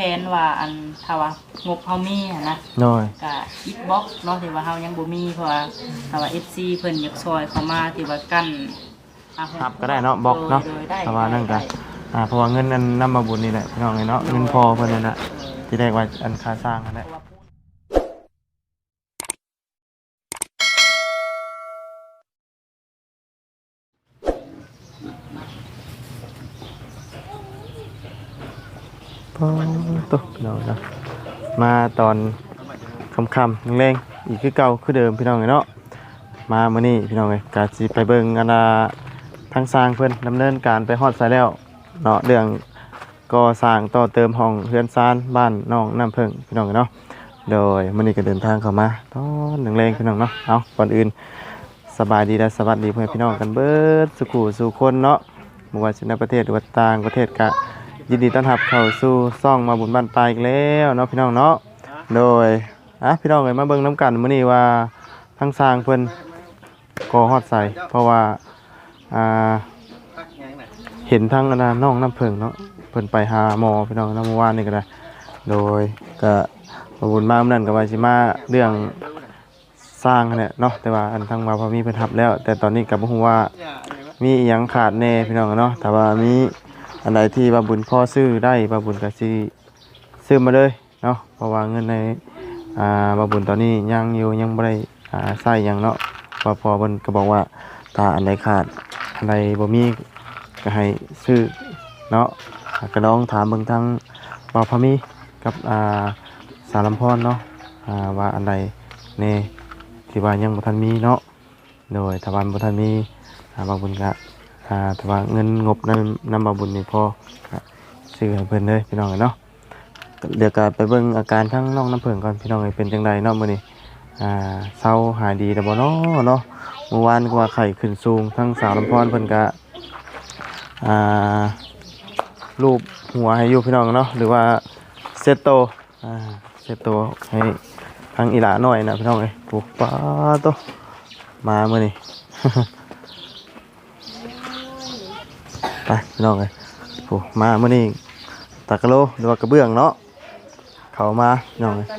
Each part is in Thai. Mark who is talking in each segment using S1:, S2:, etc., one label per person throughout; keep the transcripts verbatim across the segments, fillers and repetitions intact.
S1: นว่าอันถ้าว่างบเฮามีอะนะ
S2: น้อย
S1: ก็อิทบ็อกซ์เนาะที่ว่าเฮายังบ่มีเพราะว่าถ้าว่า เอฟ ซี เพิ่นอยากซอยเข้ามาที่ว่ากั้น
S2: ครับก็ได้เนาะบอกเนาะแต่ว่านั่นก็อ่าเพราะว่าเงินนั้นนำมาบุญนี่แหละพี่น้องเนาะเงินพอเพิ่นนั่นน่ะที่ได้ว่าอันค่าสร้างนั่นแหละพอตกพี่น้องเนาะมาตอนค่ำๆแรงๆอีกคือเก่าคือเดิมพี่น้องเนาะมามื้อนี้พี่น้องเอ้ยก็สิไปเบิ่งอันน่ะทางสร้างเพิ่นดำเนินการไปฮอดไสแล้วเนาะเรื่องก่อสร้างต่อเติมห้องเรือนซานบ้านน้องน้ำผึ้งพี่น้องเนาะโดยมื้อนี้ก็เดินทางเข้ามาตอนแรงๆพี่น้องเนาะเอาก่อนอื่นสบายดีและสวัสดีเพื่อนพี่น้องกันเบิดสุขุสู่คนเนาะบ่ว่าสิในประเทศหรือว่าต่างประเทศก็ยินดีต้อนรับเข้าสู่ซ่องมาบุญบ้านปลายอีกแล้วเนาะพี่น้องเนาะโดยอ่ะพี่น้องเอ้ยมาเบิ่งน้ำกันมื้อนี้ว่าทางสร้างเพิ่นก่อฮอดใส่เพราะว่าอ่าเห็นทางอันน่ะน้องน้ำผึ้งเนาะเพิ่นไปหาหมอพี่น้องเนาะเมื่อวานนี่ก็ได้โดยก็มาบุญมาเมื่อนั้นก็ว่าสิมาเรื่องสร้างนั่นแหละเนาะแต่ว่าอันทางมาพอมีเพิ่นรับแล้วแต่ตอนนี้ก็บ่ฮู้ว่ามีอิหยังขาดแน่พี่น้องเนาะถ้าว่ามีอันใดที่ว่าบุญพ่อซื้อได้ว่าบุญก็สิซื้อมาเลยเนาะเพราะว่าเงินในอ่าว่าบุญตอนนี้ยังอยู่ยังบ่ได้อ่าใช้หยังเนาะพอพอเพิ่นก็บอกว่าถ้าอันใดขาดอันใดบ่มีก็ให้ซื้อเนาะก็ลองถามเบิ่งทางบ่าวพามีกับอ่าสารลำพรเนาะอ่าว่าอันใดแน่ที่ว่ายังบ่ทันมีเนาะโดยถ้าว่าบ่ทันมีอ่าบ่าวบุญก็อ่าถ้าว่าเงินงบนั้นนำบ่าวบุญนี่พอก็ซื้อให้เพิ่นเลยพี่น้องเนาะเดี๋ยวก็ไปเบิ่งอาการทั้งน้องน้ำผึ้งก่อนพี่น้องเป็นจังไดเนาะมื้อนี้อ่าเซาหายดีแล้วบ่เนาะเนาะเมื่อวานก็ว่าไข้ขึ้นสูงทั้งสาวลำพรเพิ่นก็อ่ารูปหัวให้อยู่พี่น้องเนาะหรือว่าเซตโตอ่าเซตโตให้ทางอีหลาหน่อยนะพี่น้องเอ้ยปุ๊บป้าโตมามื้อนี้ ไปพี่น้องเอ้ยปุ๊บมามื้อนี้ตะกะโลหรือว่ากระเบื้องเนาะเข้ามาพี่น้องเอ้ย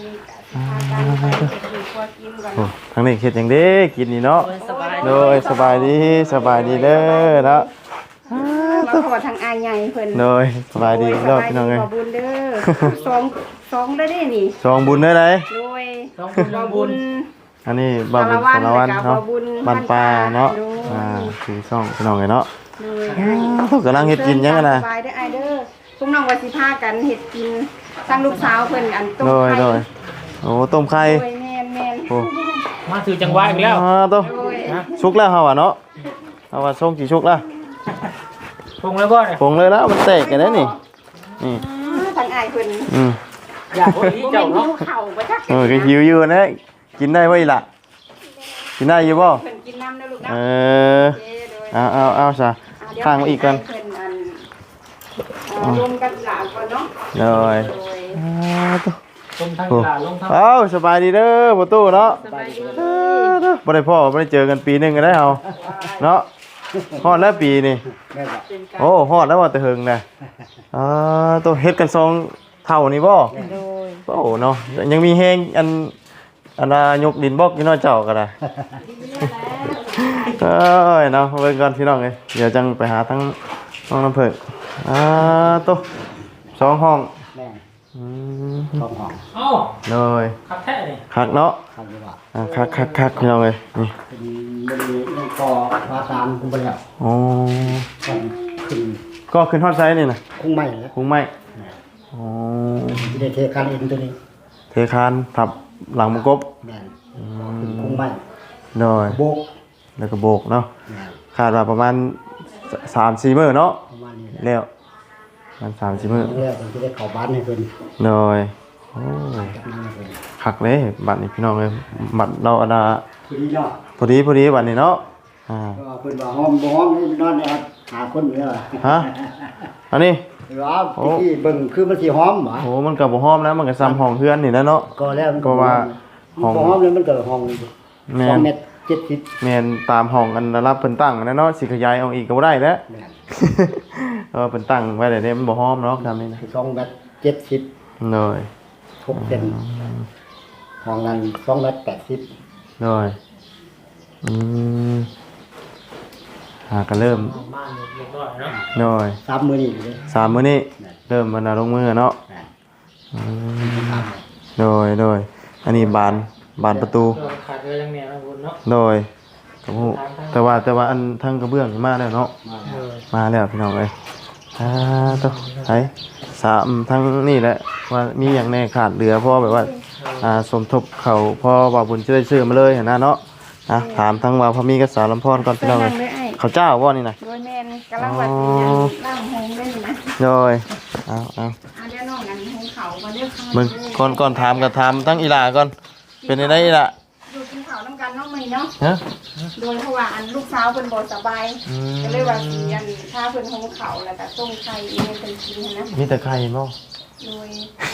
S2: โอ้ทางนี้เฮ็ดหยังเด้กินนี่เนาะโดยสบายดีสบายดีเด้อเนาะ
S3: มาขอทางอายใหญ่เพิ่น
S2: โดยสบายดีรอบพี่น้องเอ้ย
S3: ขอบุญเด้อสองสองได้เด้นี่
S2: สองบุญได้ไหน
S3: โดยสองบุญบุญ
S2: อันนี้บ่าวบุญสารวัตรเนาะบ้านป่าเนาะอ่าคือช่องพี่น้องเอ้ยเนาะโดยอ้าวกำลังเฮ็ดกินยังกันน่ะ
S3: สบายเด้ออายเด้อพวกน้องว่าสิพากันเฮ็ดกินทางลูกสาวเพิ่นอันต้มไข่
S2: โดยโอ้ต้มไข่
S3: โดยแม่นๆโอ้
S1: มาถือจังหวะอีกแล้ว
S2: อ่าโตชุกแล้วเฮาอ่ะเนาะเฮาว่าส่งกี่ชุกแล้ว
S1: ปรุงแล้วบ่เนี่ย
S2: ปรุงเลยแล้วมันแตกกันได้นี่นี่
S3: ทางอายเพิ่น
S2: อืม
S1: อยากบ่อีเจ้าเนาะ
S3: เข้าบ่จัก
S2: เออก็หิวอยู่นะกินได้บ่อีล่ะกินได้อยู่บ่
S3: เพิ่นกินน้ำเด้อลูกนะ
S2: เออเอาเอาเอาซะข้างมาอีกกัน
S3: รวมกันหลานก่อนเนาะ
S2: เลย
S1: ต้มทั้งหลานลงทั้ง
S2: เอ้าสบายดีเด้อประตูเนาะบ่ได้พ่อบ่ได้เจอกันปีนึงก็ได้เฮาเนาะฮอดแล้วปีนี่โอ้ฮอดแล้วว่าแต่เฮิงนะอ่าตัวเฮ็ดกันสองเท่านี่บ่โอ้เนาะยังมีแฮงอันอันน่ะยกดินบล็อกอยู่เนาะเจ้าก็ได้เอ้ยเนาะเบิ่งก่อนพี่น้องเอ้ยเดี๋ยวจังไปหาทั้งน้องน้ำผึ้งอ่าตัวสองห้อง
S4: แม่
S2: อืม
S4: สองห้อง
S1: เอ้า
S2: เลย
S1: คักแท้นี่
S2: คักเนาะ
S4: คักอยู่ว่า
S2: อ่าคักคักคักพี่น้องเอ้ยนี่
S4: เป็นบ่ได้ยังต่อว่าตามคุบ่แล้ว
S2: อ๋อ
S4: ขึ้น
S2: ก็ขึ้นฮอดไซส์นี่น่ะ
S4: คงไม่แล้ว
S2: คงไม่อ๋อ
S4: สิได้เทคานเอ็นตัวนี้
S2: เทคานทับหลังมกบ
S4: แม่นขึ้นคงไม่
S2: โดย
S4: โบก
S2: แล้วก็โบกเนาะคาดว่าประมาณ สามสี่ มื้อเนาะ
S4: ประมาณนี้
S2: แล้วมัน สามสี่ มื้อ
S4: แล้วผมสิได้เข้าบ้านให้เพิ่น
S2: โดยโอ้คักเลยบัดนี้พี่น้องเอ้ยบัดเราอันน่ะ
S4: พอดีเนาะ
S2: พอดีพอดีบัดนี้เนาะอ่า
S4: ก็เพิ่นว่าห้องบ่ห้องนี่นอนเนี่ยหาคนอยู่แล้ว
S2: ฮะอันนี้
S4: ว่าที่เบิ่งคือมันสิหอมหรอ
S2: โอ้มันก็บ่หอมแล้วมันก็ซ้ำห้องเฮือนนี่นะเนาะ
S4: ก็แล้ว
S2: ก็ว่า
S4: ห้องบ่หอมแล้วมันก็ห้องสองเมตรเจ็ดสิบ
S2: แม่นตามห้องอันรับเพิ่นตั้งนะเนาะสิขยายออกอีกก็บ่ได้แล้ว
S4: แม่น
S2: เออเพิ่นตั้งไว้ได้เด้มันบ่หอมเนาะทำนี่นะ
S4: สองเมตรเจ็ดสิบ
S2: โดย
S4: หกเซนห้องนั้นสองเมตรแปดสิบ
S2: โดยอืมหาก็เริ่ม
S5: บ้านเล็กน้อยเนาะ
S2: โดย
S4: สามมื้อนี้เลย
S2: สามมื้อนี้เริ่มมันเอาลงมือเนาะอืมโดยโดยอันนี้บานบานประตู
S5: เออขาดเลยยังเนี่ยนะคุณเนาะ
S2: โดยโอ้โหแต่ว่าแต่ว่าอันทั้งกระเบื้องนี่มาแล้วเนาะ
S4: มา
S5: เออ
S2: มาแล้วพี่น้องเอ้ยอ่าตัวไอ้สามทั้งนี่แหละว่ามีอย่างแน่ขาดเหลือเพราะแบบว่าอ่าสมทบเขาพอว่าบุญจะได้ซื้อมาเลยเห็นนะเนาะอ่ะถามทั้งว่าพอมีกับสาวลำพรก่อนพี่น้อง
S3: นั่
S2: เอ้
S3: ง
S2: ย
S3: ด้วยไอ้
S2: เขาเจ้าว่านี่นะ
S3: โดยแม่นกำลังว่าสิย่างหงได้นี่นะ
S2: โดยเอาเอา
S3: เอาเดี๋ยวน้องกันหงเขามาเด้อข้าง
S2: มึงก่อนก่อนถามก็ถามทั้งอีหลาก่อนเป็นยังไงอีหล่ะ
S3: ดูกินข้าวน้ำกันน้องใหม่เนาะ
S2: ฮะ
S3: โดยเพราะว่าอันลูกสาวเพิ่นบ่สบาย
S2: อืม
S3: ก็เลยว่าสิอันถ้าเพิ่นหงเขาแล้วก็ต้มไข่อีเมนเป็นกินนะ
S2: มีแต่ไข่บ่
S3: โดย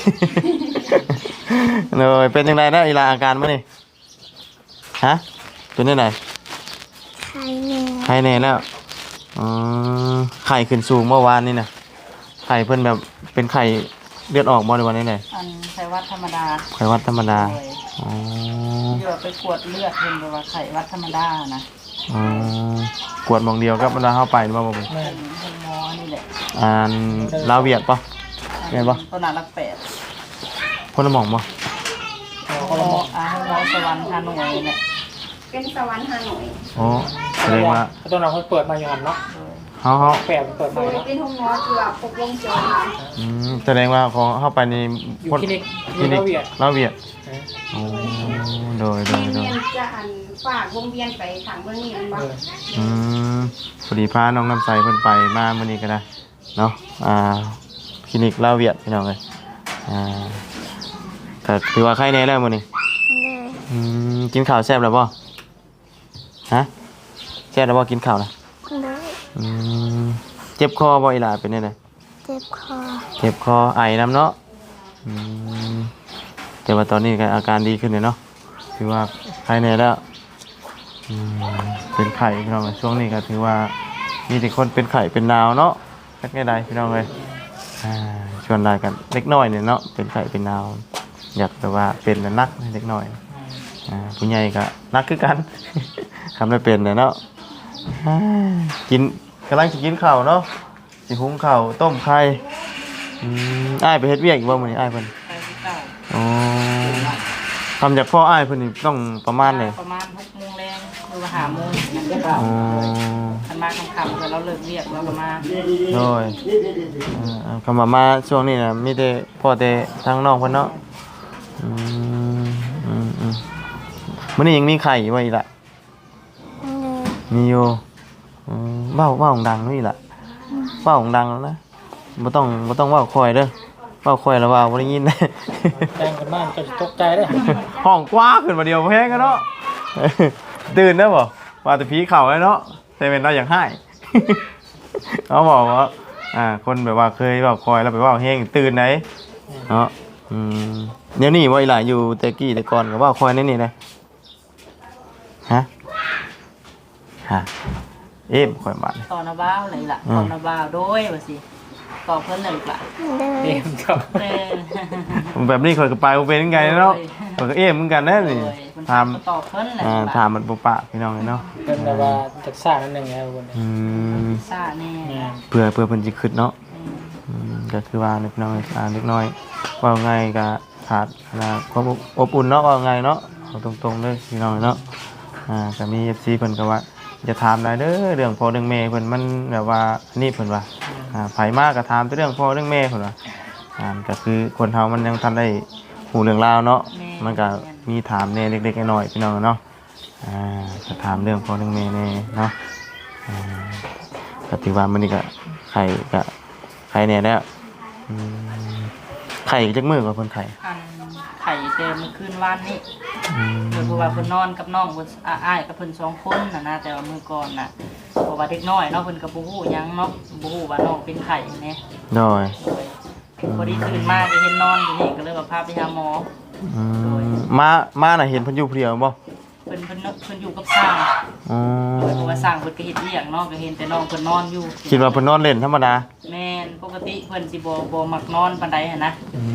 S2: โดยเป็นยังไงนะอีหลาอาการมื้อนี่ฮะเป็นยังไง
S3: ไข่แน่
S2: ไข่แน่แล้วอ๋อไข่ขึ้นสูงเมื่อวานนี่นะไข่เพิ่นแบบเป็นไข่เลือดออกบ่ในวันนี้เลย
S1: อันไข้หวัดธรรมดา
S2: ไข่หวัดธรรมดา
S1: โดย
S2: อ๋อ
S1: เดี๋ยวไปกวดเลือดเพิ่นบอกว่าไข้หวัดธรรมดานะ
S2: อ๋อกวดหมองเดียวกับเวลาเข้าไปหรือเปล่าบ่ผม
S1: เพิ่นเพิ่นหมอนี่แหละ
S2: อ่านลาวเวียดปะ แม่นบ่
S1: ต้นหนารักแปด
S2: พ่นละหม่องปะ
S1: หมออาหมอสวรรค์ฮานอยเนี่ย
S3: เป็นสวรรค์ฮานอย
S2: อ๋อแสดงว่า
S5: ตัวเราเขาเปิดมาอยู่หันเนาะ
S2: เฮาเฮา
S5: แปดเปิด
S3: โด
S5: มาย เนาะ
S3: เป็นห้องหมอคือว่าครบวงจร
S2: อืมแสดงว่าของเข้าไปใน
S5: อยู่คลินิก
S2: คลินิก
S5: ลาวเวียด
S2: ลาวเวียด
S5: เออ
S2: อ๋อโดยโด
S3: เวี
S2: ย
S3: ยน
S2: โด
S3: เวี
S2: ย
S3: ยนจะอันฝากวงเวียนไปทางเมืองนี้มันบ่
S5: เออ
S2: อืมพอดีพาน้องน้ำใสเพิ่นไปมามื้อนี้ก็ได้เนาะอ่าคลินิกลาวเวียดพี่น้องเอ้ยอ่าก็ถือว่าไข้แน่แล้วมื้อนี้อืมกินข้าวแซ่บแล้วบ่ฮะแซ่บแล้วบ่กินข้าวนะอืมเจ็บคอบ่อีหล่าเป็นจังได๋
S6: เจ็บคอ
S2: เจ็บคอไอน้ำเนาะอืมแต่ว่าตอนนี้ก็อาการดีขึ้นเลยเนาะถือว่าไข้แน่แล้วอืมเป็นไข้พี่น้องเอ้ยช่วงนี้ก็ถือว่ามีแต่คนเป็นไข้เป็นหนาวเนาะสักแค่ใดพี่น้องเอ้ยอ่าชวนได้กันเล็กน้อยเนี่ยเนาะเป็นไข้เป็นหนาวอยากแต่ว่าเป็นแล้วนักเล็กน้อยอ่าผู้ใหญ่ก็นักคือกัน ทำได้เป็นเลยเนาะอ่ากินกำลังจะกินข้าวเนาะสิหุงข้าวต้มไข่อืมอ้ายไปเฮ็ดเวียกอีกบ่มื้อนี้อ้ายเพิ่น
S1: ไข้ที่เก้า
S2: อ๋อทำจากพ่ออ้ายเพิ่นนี่ต้องประมาณไหน
S1: ประมาณหกโมงแรงหรือว่าห้าโมงนั่นก็
S2: อ๋อ
S1: คันมาค่ำๆเดี๋ยวเราเลิกเรียกเราก็มา
S2: โดยเอ่อคำว่ามาช่วงนี้น่ะมีแต่พ่อแต่ทางน้องเพิ่นเนาะอืมอืมอืมมื้อนี้ยังมีไข่อยู่บ่อีกล่ะ มีอยู่อืมเว้าเว้าดังนี่ล่ะเว้าดังแล้วนะบ่ต้องบ่ต้องเว้าค่อยเด้อเว้าค่อยแล้วว่าบ่ได้ยิน
S5: แจ้งกันบ้านก็ตกใจเลย
S2: ห้องกว้างขึ้นมาเดียวแพงกันเนาะ ตื่นได้บ่ว่าแต่ผีเข่าเลยเนาะแต่เป็นเราอย่างให้ เขาบอกว่าอ่าคนแบบว่าเคยแบบคอยแล้วไปว่าเฮงตื่นไหนเนาะอืมเดี๋ยวนี้ว่าอีหลายอยู่แต่กี้แต่ก่อนก็ว่าคอยนี่นี่เลยฮะฮะเอ๊ะคอยบ้าน
S1: ตอนนาบ้าวเลยล่ะตอนนาบ้าวโดยว่าสิตอบเพิ่นเลยล่ะ
S6: เดิน
S5: เอ็มก็
S1: เออ
S2: แบบนี้คอยก็ไปบ่เป็นยังไงเนาะคอยก็เอ๊ะเหมือนกันนะนี่
S1: โดยเพิ่น
S2: ถาม
S1: ก็ตอบเพิ่นแหละ
S2: อ่า
S1: ล่ะ
S2: ถามมันปุปะพี่น้องเลยเนาะ
S5: เป็นแบบว่าจากซ่านั่นหนึ่งแล้วคน
S2: อืม
S1: ซ่าแน่
S5: เนี่ย
S2: เพื่อเพื่อเพิ่นสิขึ้นเนาะ
S1: อืม
S2: อืมก็คือว่าเล็กน้อยอ่าเล็กน้อยว่าไงก็ขาดนะความอบอุ่นเนาะว่าไงเนาะเอาตรงๆเลยพี่น้องเนาะอ่าก็มี เอฟ ซี เพิ่นก็ว่าจะถามได้เด้อเรื่องพ่อเรื่องแม่เพิ่นมันแบบว่าอันนี้เพิ่นว่าอ่าไผมากก็ถามแต่เรื่องพ่อเรื่องแม่เพิ่นว่าอ่าก็คือคนเฮามันยังทันได้หูเรื่องราวเนาะมันก็มีถามแน่เล็กๆน้อยๆพี่น้องเนาะอ่าก็ถามเรื่องพ่อเรื่องแม่แน่เนาะอ่าก็ถือว่ามันนี่ก็ไข่ก็ไข่แน่แล้วอืมไข่จักมือกว่าเพิ่นไข่
S1: อันไข่เต็มอคืนวันนี้
S2: อืม
S1: โดยเพราะว่าเพิ่นนอนกับน้องเพิ่นอาอ้ายกับเพิ่นสองคนน่ะนะแต่ว่ามื้อก่อนน่ะเพราะว่าเด็กน้อยเนาะเพิ่นก็บ่ฮู้หยังเนาะบ่ฮู้ว่าน้องเป็นไข้แหน่
S2: โดย
S1: โดยพอดีตื่นมาก็เห็นนอนอยู่นี่ก็เลยว่าพาไปหาหมอ
S2: อืมมามาน่ะเห็นเพิ่นอยู่ผู้เดียวบ่
S1: เพิ่นเพิ่นเพิ่นอยู่กับสร้าง
S2: อ๋อ
S1: โดยเพราะว่าสร้างเพิ่นก็เฮ็ดเวียกเนาะก็เห็นแต่น้องเพิ่นนอนอยู่
S2: คิดว่าเพิ่นนอนเล่นธรรมดา
S1: แม่นปกติเพิ่นสิบ่บ่มักนอนปานใดหันนะ
S2: อืม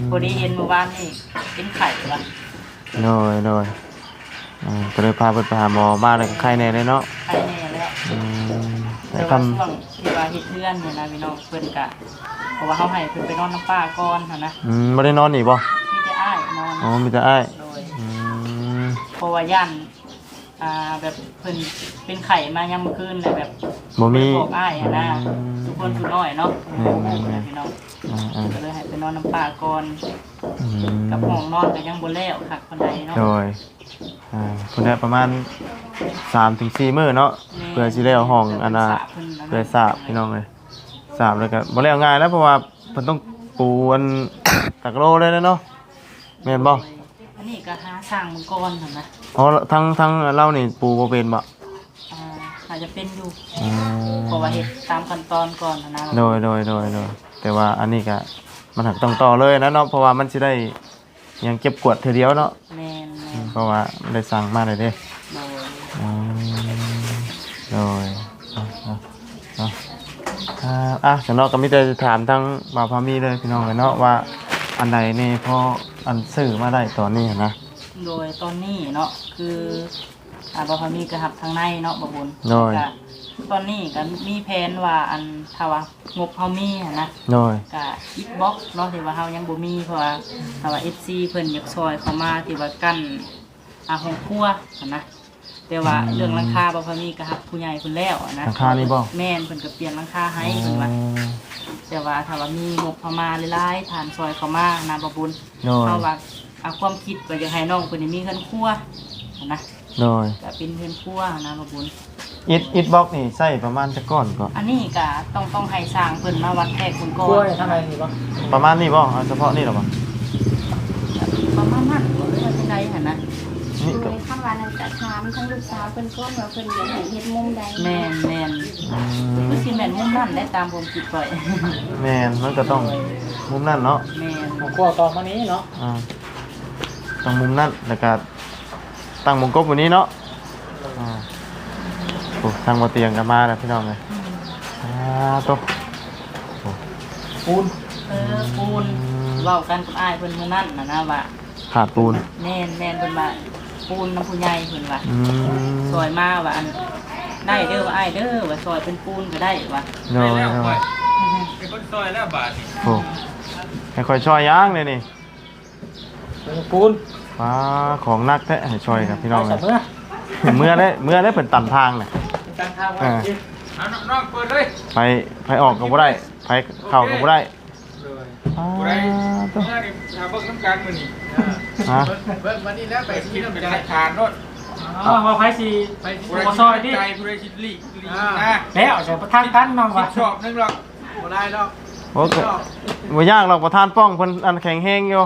S1: พอดีเห็นเมื่อวานนี่เป็นไข่ว่ะ
S2: โดยโดยอ่าก็เลยพาเพิ่นไปหาหมอบ้านแล้วก็ไข้แน่เลยเนาะ
S1: ไข่แน่แล้ว
S2: อืม
S1: แต่
S2: แต่
S1: ว่า
S2: ทำ
S1: ช่วงที่ว่าเฮ็ดเรือนเนี่ยนะพี่น้องเพิ่นกะเพราะว่าเฮาให้เพิ่นไปนอนน้ำป้าก่อนหั่นนะ
S2: อืมบ่ได้นอนนี่บ่
S1: มีแต่อ้ายนอน
S2: อ๋อมีแต่อ้าย
S1: โดย
S2: อืม
S1: เพราะว่าย่านอ่าแบบเพิ่นเป็นไข่มายามมื้อคืนเลยแบบ
S2: บ่มี
S1: บอกอ้ายหั่นนะทุกคนผู้น้อยเนาะ
S2: อืม
S1: นะพี่น้อง
S2: อ่า
S1: ก็เลยให้ไปนอนน้ำป้าก่อน
S2: ๆอืม
S1: กับห้องนอนก็ยังบ่แล้วคักปานใดเนาะ
S2: โดยอ่าเพิ่นได้ประมาณสามถึงสี่มื้อเนาะเพื่อสิได้เอาห้องอันน่ะเพื่อทราบพี่น้องเอ้ยทราบแล้วก็บ่แล้วง่ายแล้วเพราะว่าเพิ่นต้องปูอัน ตักโลเลยนะเนาะแม่นบ่
S1: อันนี้ก็หาสร้างมังกรหั่นนะ
S2: อ๋อทั้งทั้งเรานี่ปูบ่เป็นบ่
S1: อ่าอาจจะเป็นอยู่
S2: อืม
S1: เพราะว่าเฮ็ดตามขั้นตอนก่อนหั่นนะ
S2: โดยโดยโดยโดยแต่ว่าอันนี้ก็มันหักต้องต่อเลยนะเนาะเพราะว่ามันสิได้ยังเก็บกวดเทื่อเดียวเนาะ
S1: แม่น
S2: อืมเพราะว่ามันได้สั่งมาเลยเด้
S1: ๆโดย
S2: อืมโดยเอาเอาเอาอ่าอ่ะฉันเนาะก็มีแต่จะถามทั้งบ่าวพามีเลยพี่น้องเลยเนาะว่าอันใดนี่พออันซื้อมาได้ตอนนี้นะ
S1: โดยตอนนี้เนาะคืออ่าบ่พอมีกระหับทางในเนาะบ่บุญ
S2: โดย
S1: ก็ตอนนี้ก็มีแผนว่าอันถ้าว่างบเฮามีหั่นนะ
S2: โดย
S1: ก็อิทบ็อกเนาะที่ว่าเฮายังบ่มีเพราะว่าถ้าว่า เอฟ ซี เพิ่นอยากซอยเข้ามาที่ว่ากั้นอาห้องครัวหั่นนะแต่ว่าเรื่องราคาบ่พอมีก็ฮับผู้ใหญ่เพิ่นแล้วอะนะ
S2: ราคานี่บ่
S1: แม่นเพิ่นก็เปลี่ยนราคาให้เพิ่นว่า แต่ว่าถ้าว่ามีงบเข้ามาหลายๆผ่านซอยเข้ามานะบ่บุญ
S2: โดย
S1: เฮาว่าเอาความคิดว่าอยากให้น้องเพิ่นได้มีเงินครัวหั่นนะ
S2: โดย
S1: ก็เป็นเงินครัวหั่นนะบ่บุญ
S2: อิดอิดบล็อกนี่ใส่ประมาณจะก้อนก็
S1: อันนี้ก็ต้องต้องให้สร้างเพิ่นมาวัดแทกเพิ่นก่อก
S5: ล้วย
S1: น
S5: ทางในนี่บ่
S2: ประมาณนี้บ่เอาเฉพาะนี่หรอบ่
S1: ประมาณนั้นบ่ได้ว่าจังไดหั่นนะ
S2: นี่
S3: ดู
S2: ก็
S3: ในคำว่านั้นจะถามทั้งลูกสาวเพิ่นก็ว่าเพิ่นอยากให้เฮ็ดมุมใด
S1: แม่นแม่น
S2: อื
S1: คือ
S2: ม
S1: สิแม่นมุมนั่นได้ตามผมคิดไว้
S2: แม่นมันก็ต้องมุมนั่นเนาะ
S1: แม่น
S5: ของกล้วยตอนมานี้เนาะ
S2: อ่าต้องมุมนั่นแล้วก็ตั้งมงกบวันนี้เนาะอ่าโอ้ทางมาเตียงกันมาแล้วพี่น้องเลยอ่าตัวโอ้
S5: ปูน
S1: เออปูนเว้ากันกับอ้ายเพิ่นมื้อนั้นน่ะนะว่า
S2: ขาดปูน
S1: แม่นแม่นเพิ่นว่าปูนน้ำผู้ใหญ่เพิ่นว่า
S2: อืม
S1: ซอยมาว่าอันได้เด้อว่าอ้ายเด้อว่าซอยเป็นปูนก็ได้ว่า
S2: โดยโดย
S6: เป็นคนซอยแล้วบาทนี่
S2: โอ้ให้คอยช่อยย่างเลยนี่
S5: ปูน
S2: ว้าของนักแท้ให้ช่อยกับพี่น้องเล
S5: ใส่
S2: ย
S5: เมื่อ
S2: เมื่อได้เมื่อได้เป็นตันทางเลย
S5: การทางว่า
S2: อ่า
S6: เอาน้องๆเปิดเลย
S2: ไปไปออกก็บ่ได้ไปเข้าก็บ่ได้
S6: เลย
S2: อ่า
S6: บ่ได้
S2: ตัว
S6: เมื่อนี่หาเบิ่งน้ำกันมื้อนี้
S2: ฮะ
S6: เบิ่งวันนี้แล้วไปกินน้ำกันทานโนด
S5: อ๋อว่าไผสิไป
S6: ผู้ใด
S5: บ่ซอยดิ
S6: ใจผู้ใดคิดลีกลีกนะ
S5: แล้วใส่ทางกันน้อง
S6: คิ
S5: ว่า
S6: ดชอบนึงหรอกบ่ได้หรอก
S2: โอ้ก็บ่ยากหรอกประธานป้องเพิ่นอันแข็งแฮงอยู่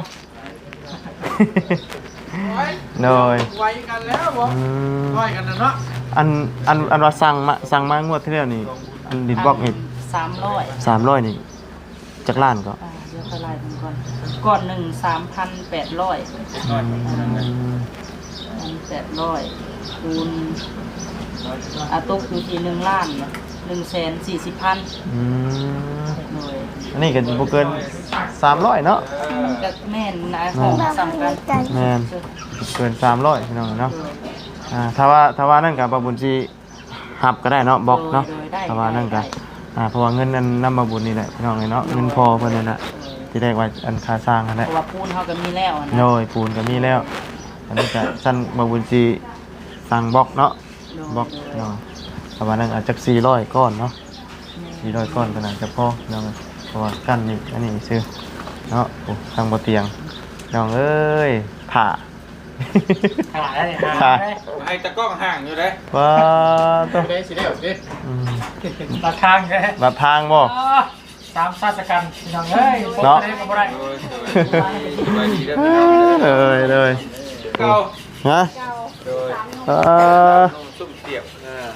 S6: ไว้
S2: โดย
S6: ไว้กันแล้วบ่
S2: อืม
S6: ซอยกันนะเนาะ
S2: อันอันอันว่าสั่งมาสั่งมางวดที่แล้วนี่อันดิดบล็อกนี่
S1: สามร้อย
S2: สามร้อยนี่จักล้านก็
S1: อ่าเดี๋ยวค่อยไล่เพิ่นก่อนก่อนหนึ่งสามพันแปดร้อย
S2: อืม
S1: พันแปดร้อยคูณอาตกอยู่ที่หนึ่งล้านหนึ่งแสนสี่สิบพัน
S2: อืม
S1: หน่วย
S2: อันนี้ก็บ่เกินสามร้อยเนาะ
S1: ก็แม่นนะของสำคัญ
S2: แม่นเกินสามร้อยพี่น้องเนาะอ่าถ้าว่าถ้าว่านั่นก็บ่บุญสิหับก็ได้เนาะบล็อกเนาะถ้าว่านั่นก็อ่าเพราะว่าเงินนั้นนำมาบุญนี่แหละพี่น้องเนาะเงินพอเพิ่นนั่นน่ะที่ได้ไว้อันค่าสร้างนั่นแห
S1: เพ
S2: ละ
S1: ราะว่าปูนเขาก็มีแล้วอะนะ
S2: โดยปูนก็มีแล้ว อันนี้ก็สั้นบ่บุญสิสั่งบล็อกเนาะบล็อกเนาะถ้าว่านั่นอาจจะสี่ร้อยก้อนเนาะสี่ร้อยก้อนก็น่าจะพอเนาะเพราะว่ากั้นนี่อันนี้ซื้อเนาะโอ้ทางบ่เตียงน้องเอ้ยผ่า
S5: ขายได้
S2: ค่ะ
S6: ให้ตะกล้องห่างอยู่เด้
S2: ว้าตัว
S6: ได้สิได้สิ
S2: อืม
S5: ราคาแค่
S2: บัดทางบ่
S5: สามชาติกันพี่น้องเอ้ย
S2: เนาะ
S5: บ่ได้ก็บ่ได้
S6: โดยโดยไปดีเด้อพี่น้องเด้อ
S2: เลยเลย
S6: เก่า
S2: ฮะ
S3: เจ้า
S6: โดย
S2: เออ
S6: น้องซุ่มเสียบอ่า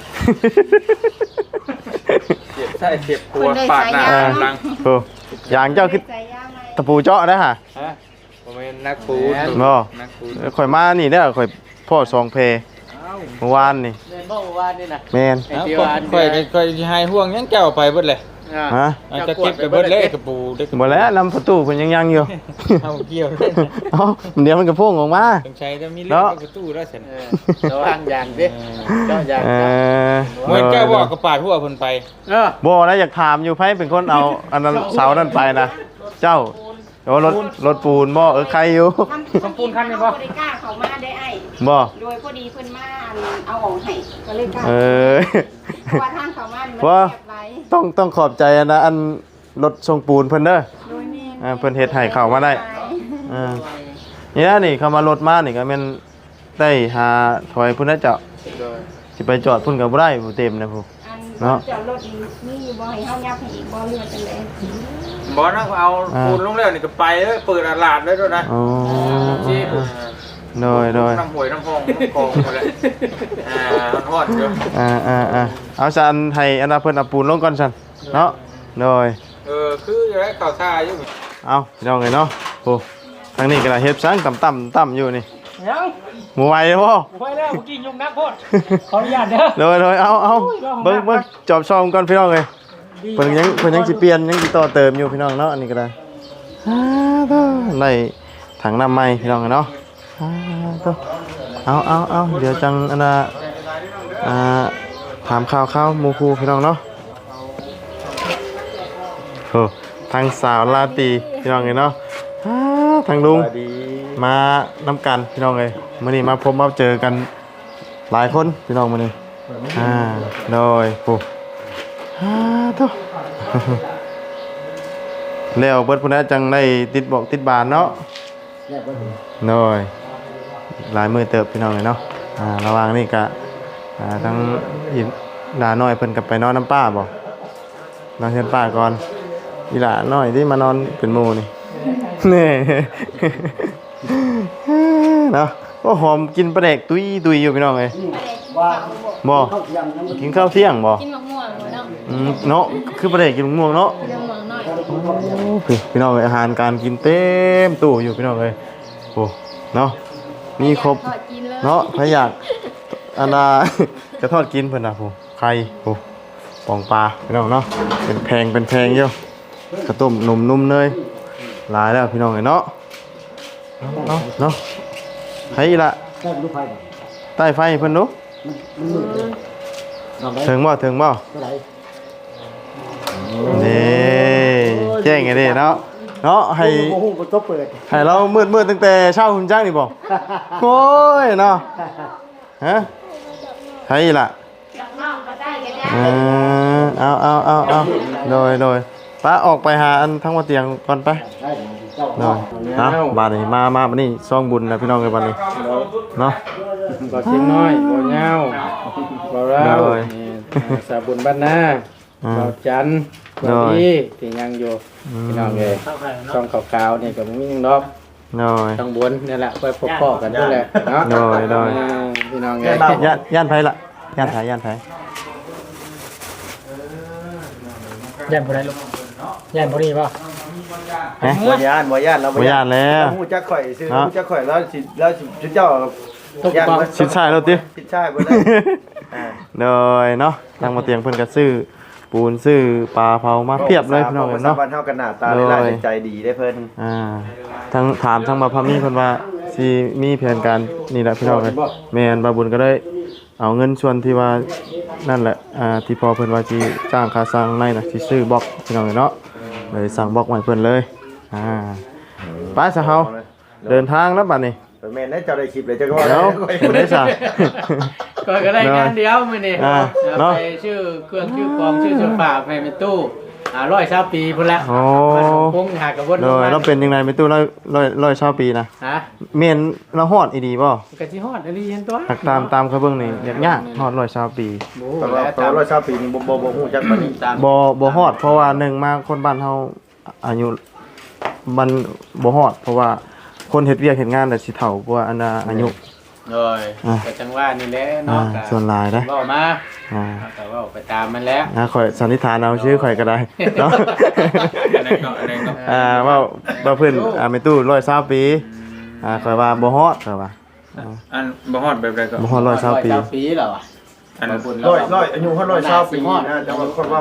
S6: เสียบใส่เสียบตัวปาดหน้าหลัง
S2: โอ้ยางเจ้าคือ
S3: ใจยาไหม
S2: ตะปูเจาะนะฮะ
S6: ฮะผมเป็นนักปูน
S2: บ่
S6: นักปูน
S2: ข่อยมานี่เด้อข่อยพ่อสองเพเมื่อวานนี่
S1: เดินบ่ว่านี่นะ
S2: แม่น
S6: ค่อยค่อยค่อยสิให้ห่วงยังเจ้าไปเบิดเลย
S2: ฮะ
S6: อาจจะเก็บไปเบิดเลยกระปูได้กระ
S2: บ่แล้วลำประตูเพิ่นยังยังอยู่
S6: เอาเกี่ยวเลย
S2: เอ้าเดี๋ยวมันก็พุ่งออกมา
S6: ต้องใช้ถ้ามีเรื่องกระตู้แล้วฉัน
S4: ระวังอย่างดิเจ้าอย่าง
S2: เออ
S6: เหมือนแก้วบอกกระปาดหัวเพิ่นไป
S4: เออ
S2: บ่นะอยากถามอยู่ไผเป็นคนเอาอันนั้นเสานั้นไปนะเจ้าโอ้รถรถปูนบ่เออใครอยู่
S3: ทำปูนคันนี่บ่ได้กล้าเขามาได้ไอ้
S2: บ่
S3: โดยพอดีเพิ่นมาเอาออกให้ก็เลยกล้า
S2: เออ
S3: เพราะว่าทางเขามานี่มัน
S2: ว่า
S3: เรียบไว้
S2: ต้องต้องขอบใจอันนะอันรถทรงปูนเพิ่นเด้อ
S3: โดยแม่
S2: อ่าเพิ่นเฮ็ดให้เข้ามาได้อ่าเนี่ยนี่เข้ามารถมานี่ก็แม่นได้หาถอยพุ่นนะเจ้าสิไปจอดพุ่นก็บ่ได้บ่เต็มนะผู้
S3: อัน
S2: เนาะ
S3: จอดรถนี่อยู่บ่ให้เฮายับให้อีกบ่เรือจังได๋
S6: บอสนะเอาปูนลงแล้วนี่ก็ไปเลยเปิดตลาดเลยด้วยนะ
S2: อ๋อ
S6: ที่
S2: โดยโดย
S6: น้ำหวยน้ำพองน้ำกองหมดเลยอ่าทอดเยอะ
S2: อ่าอ่าอ่าเอาซันให้อันน่ะเพิ่นเอาปูนลงก่อนซั่นเนาะโดย
S6: เออคือจะได้ข่าวท่าอยู่
S2: เอาพี่น้องเอ้ยเนาะโอ้ทางนี้ก็ได้เฮ็ดซังต่ำๆต่ำอยู่นี่
S5: ยัง
S2: หมู่ไหวบ่
S5: ไปแล้วเมื่อกี้ยุงนักโพดขออนุญาตเด้อ
S2: โดยโดยเอาเอาเบิ่งเบิ่งจอบช่องก่อนพี่น้องเอ้ย เพิ่นยังเพิ่นยังสิเปลี่ยนยังสิต่อเติมอยู่พี่น้องเนาะอันนี้ก็ได้ฮ่าตัวได้ถังน้ำใหม่พี่น้องเนาะฮ่าตัวเอาเอาเอาเดี๋ยวจังอันน่ะอ่าถามข่าวข่าวหมู่ครูพี่น้องเนาะโอ้ทางสาวลาตรีพี่น้องเอ้ยเนาะฮ่าทางลุงมานํกันพี่น้องเอ้ยมื้อนี้มาพบมาเจอกันหลายคนพี่น้องมื้อนี้อ่าโดยโอ้ฮ่าตัว แล้วเบิดพุ่นน่ะจังได้ติดบอกติดบานเนาะน้อยหลายมือเติบพี่น้องเลยเนาะอ่าระหว่างนี้ก็อ่าทั้งอีหลาน้อยเพิ่นก็ไปนอนน้ำป้าบ่นอนเฮือนป้าก่อนอีหลาน้อยที่มานอนเป็นหมู่นี่ นี่ เนาะโอ้หอมกินปลาแดกตุยตุยอยู่พี่น้องเอ้ย
S4: ว่า
S2: บ่
S4: เข้าเที่ยงน้ำมัน
S2: กินข้าวเที่ยงบ่
S7: กินมะม่วงบ่เนาะ
S2: อืมเนาะคือปลาแดกกินมะม่วงเนาะ
S7: กินมะม่วงหน่อย
S2: โอ้พี่พี่น้องเอ้ยอาหารการกินเต็มตู้อยู่พี่น้องเอ้ยโอ้เนาะมีครบ
S7: ทอดกินเลย
S2: เนาะใครอยากอันน่ะ จะทอดกินเพิ่นน่ะผู้ไข่ผู้ปองปลาพี่น้องเนาะเป็นแพงเป็นแพงอยู่ข้าวต้มนมนุ่มเนยหลายแล้วพี่น้องเอ้ยเนาะเนาะเนาะไผละ
S4: แค่ลูกไฟบ่
S2: ใต้ไฟเพิ่นดู
S4: มันมืดเลยลองได้
S2: ถึงบ่ถึงบ่
S4: เท่าไหร่
S2: นี่แจ้งไงเด้เนาะเนาะให้
S4: โอ้โหมันก็เปิด
S2: ให้เรามืดมืดตั้งแต่เช้าคุณจ้างนี่บ่โอ้ยเนาะฮะใช่ล่ะ
S3: น้องก็ได้ก็ได้
S2: เออเอาเอาเอาเอาโดยโดยป้าออกไปหาอันทั้งว่าเตียงก่อนไป
S4: ได้เจ้า
S2: โดยนะบาดนี้มามาบัดนี้ซองบุญนะพี่น้องกันบัดนี้เนาะ
S8: บ่เชียงน้อยบ่ยาวบ่ราว
S2: โดย
S8: นี่สาบุญบ้านนา
S2: อ่า
S8: บ่จันทร์บ่
S2: โดย
S8: ดีที่ยังอยู่พี่น้องเอ้ยช่องขาวๆนี่ก็บ่มีหยังดอก
S2: โดย
S8: ช่องบนนี่แหละไปพบพ่อกันนั่นแหละเนาะ
S2: โดยโดย
S8: อ่าพี่น้องเอ้ย
S2: ย่านย่านไผล่ะย่านไผย่านไผ
S5: ยันบ่ได้ลูกยันบ่ดีป่ะ
S2: ฮะ
S9: บ่ย่านบ่ย่านเรา
S2: บ่ย่านแล้ว
S9: ฮู้จักข่อยซื้อ
S2: เนาะ
S9: ฮู้จักข่อยแล้วสิแล้วสิเจ้า
S8: ทุก
S9: ย่าน
S8: ปอง
S9: บ่
S2: ชิดชายแล้วติ
S9: ผิดชายบ่ได้อ่า
S2: โดยเนาะทางมาเตียงเพิ่นก็ซื้อปูนซื้อปลาเผามาเพียบเลยพี่น้องเอ้ยเนาะ
S9: บ้านเฮากันหน้าตาได้หลายใจดีได้เพิ่น
S2: อ่าทางถามทางมาพามีเพิ่นว่าสิมีแผนการนี่แหละพี่น้องเอ้ยแม่นบาบุญก็ได้เอาเงินส่วนที่ว่านั่นแหละอ่าที่พอเพิ่นว่าสิจ้างค่าสร้างในน่ะสิซื้อบล็อกพี่น้องเอ้ยเนาะเลยสั่งบล็อกมาให้เพิ่นเลยอ่าไปซะเฮาเดินทางแล้วบัดนี้
S9: แม่นได้เจ้าได้คลิปเลยเจ้าก็ว่า
S2: เดี๋ยว
S9: ข่อย
S2: เห็นได้ซะ
S8: ก็ก็ได้งานเดียวมื้อนี้
S2: อ่า
S8: เอา
S2: เนาะ
S8: ไปชื่อเครื่องชื่อกองชื่อเสื้อผ้าไปเป็นตู้อ่าร้อยเช้าปีพุ่นละ
S2: โอ้
S8: มันคงหากระวน
S2: โดยเราเป็นยังไงไม่ตู้ร้อยร้อยร้อยชาวปีนะ
S8: ฮะ
S2: เมนเราฮอดอีดีบ่
S8: กะสิฮอดอันนี้เห็นตัว
S2: หักตามตามเขาเบิ่งนี่ยากยากฮอดร้อยชาวปี
S8: โอ้
S9: แต่
S8: โห
S9: ว่า
S8: แล้ว
S9: ตอ
S8: ตาน ม
S9: ร้อยชาวปีนี่บ่บ่บ่ฮู้จักปานนี้
S8: ตาม
S2: บ่บ่ฮอดเพราะว่าหนึ่งมาคนบ้านเฮาอายุมันบ่ฮอดเพราะว่าคนเฮ็ดเวียกเฮ็ดงานน่ะสิเฒ่ากว่าอันน่ะอายุ
S8: เลย
S2: อ่า
S8: ก็จังว่านี่แหละ
S2: อ่า
S8: เนาะ
S2: ส่วนหลายนะ
S8: เว้ามา
S2: อ่า
S8: แต่ว่าไปตามมันแล้ว
S2: อ่าข่อยสันนิษฐานเอาชื่อข่อยก็ได้เนาะ
S6: อะไรก็อะไรก็
S2: อ่าว่าว่าเพิ่นอ่าแม่ตู้ร้อยชาวปีอ่าข่อยว่าบ่ฮอดข่อยว่า
S6: อันบ่ฮอดแบบใดก็
S2: บ่ฮอดร้อยชาวปี
S8: ร้อยปีแล้วอ่ะ
S6: อัน
S8: บุญ
S9: ร้อยร้อยอายุเฮาร้อยชาวปีนะแต่ว่าคนว่า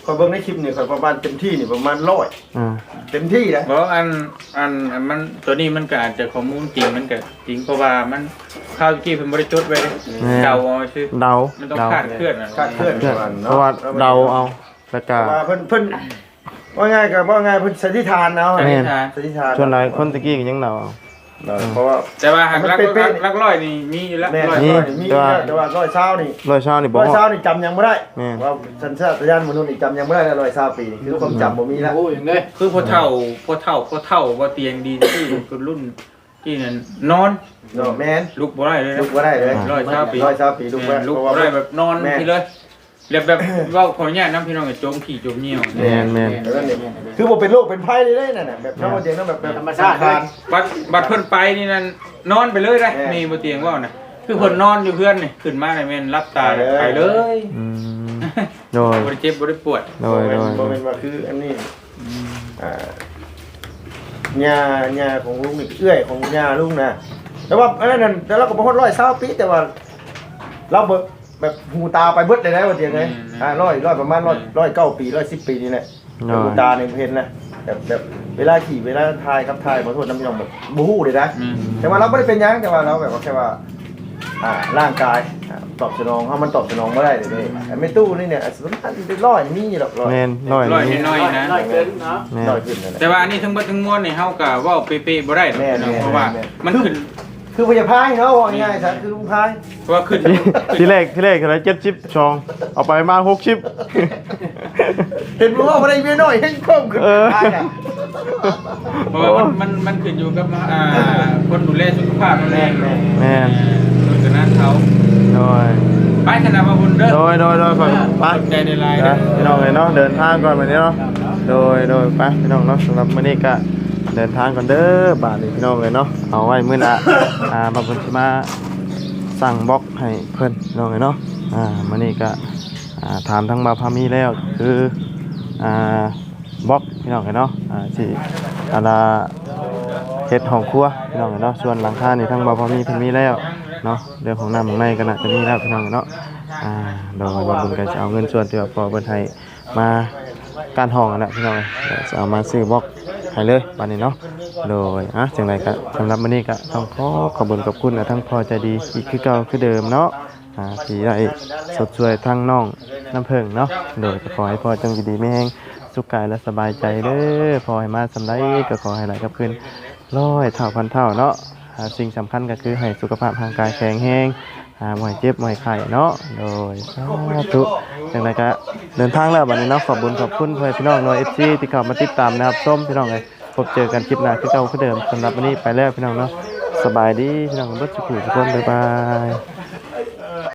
S9: คอยเบิ่งในคลิปนี่คอยประมาณเต็มที่นี่ประมาณร้อย
S2: อ่า
S9: เต็มที่นะ
S6: บอกอันอันอันมันตัวนี้มันก็อาจจะข้อมูลจริงมันก็จริงเพราะว่ามันข้าวกี้เพิ่นบ่ได้จดไว้เลยเดาเอาซื่อ
S2: เดา
S6: มันต้อง
S2: เดา
S6: คาดเคลื่อนอะ
S9: คาดเคลื่อน
S2: เพื่อน
S9: ประมาณ
S2: เพราะว่าเดาเอาแล้วก็
S9: ว่าเพิ่นเพิ่นว่าง่ายก็ว่าง่ายเพิ่นสันนิษฐานเอา
S6: สันนิษฐาน
S9: สันนิษฐาน
S2: ส่วนหลายคนตะกี้ก็ยังเดาเอา
S9: เออเพราะว่า
S6: แต่ว่าหาก
S9: มัน
S6: ลัก
S9: เป๊ะ
S6: ลักร้อยนี่มีอยู่แล้ว
S9: แม่
S6: ร้อย
S9: ร้อย
S2: นี่
S9: นี่มี
S2: แต่ว่า
S9: แต่ว่าร้อยเช้านี่
S2: ร้อยเช้านี่บ่
S9: ร้อย
S2: ฮอ
S9: เช้า
S2: ด
S9: นี่จำยังไม่ได้
S2: แม่
S9: ว่าสัญชาตญาณมนุษย์นี่จำยังไม่ได้แล้วร้อยเช้าปีนี่คือความจำบ่มีแล้ว
S8: โอ้ยอย่างเด้ย
S6: คือพอเท่าพอเท่าพอเท่าว่าเตียงดีที่คือรุ่นที่นั่นนอน
S9: เนาะแม่น
S6: ลุกบ่ได้เลยนะ
S9: ลุกบ่ได้เลย
S6: ร้อยเช้าปี
S9: ร้อยเช้าปีลุกบ่ได้
S6: ลุก
S9: เพราะ
S6: บ่
S9: ว่า
S6: ได้แบบนอน
S9: แม่
S6: ทีเลยเรียบแบบเว้าขออนุญาตนํพี่น้องก็โจมขี้โจมเหี่ยว
S2: แม่นแม่น
S9: แล้วนี่คือบ่เป็นโรคเป็นภัยเลยนั่นน่ะแบบน้องเตียงนั่นแบบแบบ
S8: ธรรมชาติ
S9: คาน
S6: บัดบัดเพิ่นไปนี่นั่นนอนไปเลยได้
S9: แม่
S6: มีบ่เตียงเว่านะคือเพิ่นนอนอยู่เพื่อนนี่ขึ้นมานี่แม่นรับตา
S9: ไปเลย
S6: ไปเลย
S2: อืมโดย
S6: บ่ได้เจ็บบ่ได้ปวด
S2: โดยโดย
S9: บ่เป็นว่าคืออันนี้อ่าญาญาของลุงนี่เอื้อยของญาลุงนะแต่ว่าอันนั้นแต่เราก็บ่ฮอดร้อยเช้าปีแต่ว่า เราแบบแบบหูตาไปเบิดเลยนะว่าเตียงไงอ่าร้อยร้อยประมาณร้อยร้อยเก้าปีร้อยสิบปีนี่แหละ
S2: โดย
S9: หูตาเนี่ยเห็นนะแบบแบบเวลาขี่เวลาทายครับทายขอโทษน้ำยองแบบบูฮู้เลยนะ
S6: อืม
S9: แต่ว่าเราไม่ได้เป็นหยังแต่ว่าเราแบบว่าแค่ว่าอ่าร่างกายอ่าตอบสนองถ้ามันตอบสนองไม่ได้เลยเลยแต่ไม่ตู้นี่เนี่ยสมมติมันเป็นร้อยมีหรอกร้อย
S2: แม่นร้อย
S6: ร้อย
S2: นี่
S6: น้อยๆนะ
S8: น้อยเกินเนาะ
S2: แม่น
S9: ร้อยขึ้นนั่นแหละ
S6: แต่ว่าอันนี้ทั้งหมดทั้งมวลนี่เฮาก็เว้าเป๊ะๆบ่ได้ดอก
S9: แม่นๆ
S6: เพราะว่า
S9: แม่น
S6: มันขึ้น
S9: คือพยาพายเขาว่าง่ายๆซะคือลุงพาย
S6: เพราะว่าขึ้น
S2: ทีแรกทีแรกอะไรเจ็ดชิปชอง เอาไปมาหกชิป
S9: เห็นว่าอะไรเมียน้อยให้เพิ่มขึ้น
S2: เออ
S9: พายอ่ะ
S6: เพราะว่ามันมันมันขึ้นอยู่กับอ่าคนดูแลสุขภาพนั่นเอง
S2: แม่น
S6: โดยฉะนั้นเขา
S2: โดย
S6: ไปคณะมาบุญเด้อ
S2: โดยโดยโดยไปไป
S6: ขอบใจในไลน์
S2: นะ
S6: เด้อ
S2: พี่น้องเลยเนาะเดินทางก่อนวันนี้เนาะโดยโดยไปพี่น้องเนาะสำหรับมื้อนี้ก็เดินทางก่อนเด้อบาทนี้พี่น้องเลยเนาะเอาไว้มื้อหน้าอ่าบางคนสิมาสั่งบล็อกให้เพิ่นพี่น้องเลยเนาะอ่ามื้อนี้ก็อ่าถามทั้งมาพามีแล้วคืออ่าบล็อกพี่น้องเลยเนาะอ่าสิอาลาเฮ็ดห้องครัวพี่น้องเลยเนาะส่วนหลังคานี่ทั้งมาพามีเพิ่นมีแล้วเนาะเรื่องของน้ำของในก็น่าจะมีแล้วพี่น้องเนาะอ่าโดยว่าบุญก็จะเอาเงินส่วนที่ว่าพอเพิ่นให้มาการห้องนั่นแหละพี่น้องเอ้ยเดี๋ยวจะเอามาซื้อบล็อกให้เลยบัดนี้เนาะโดยอ่ะจังไดก็สำหรับมื้อนี้ก็ต้องขอขอบคุณขอบคุณกับทั้งพ่อใจดีอีกคือเก่าคือเดิมเนาะอ่าที่ได้สดช่วยทั้งน้องน้ำเพิ่งเนาะโดยก็ขอให้พ่อจังอยู่ดีไม่แห้งสุขกายและสบายใจเด้อพอให้มาสำไรก็ขอให้ไหลกับคืนร้อยเท่าพันเท่าเนาะอ่าสิ่งสำคัญก็คือให้สุขภาพร่างกายแข็งแรงอ่าบ่ให้เจ็บบ่ให้ไข้เนาะโดยสาธุจังไดก็เดินทางแล้วบัดนี้เนาะขอบคุณขอบคุณเพื่อนพี่น้องหน่วย เอฟ ซี ที่เข้ามาติดตามนะครับส้มพี่น้องเอ้ยพบเจอกันคลิปหน้าคือเก่าคือเดิมสำหรับวันนี้ไปแล้วพี่น้องเนาะสบายดีพี่น้องเบิดสุขทุกคนบ๊ายบาย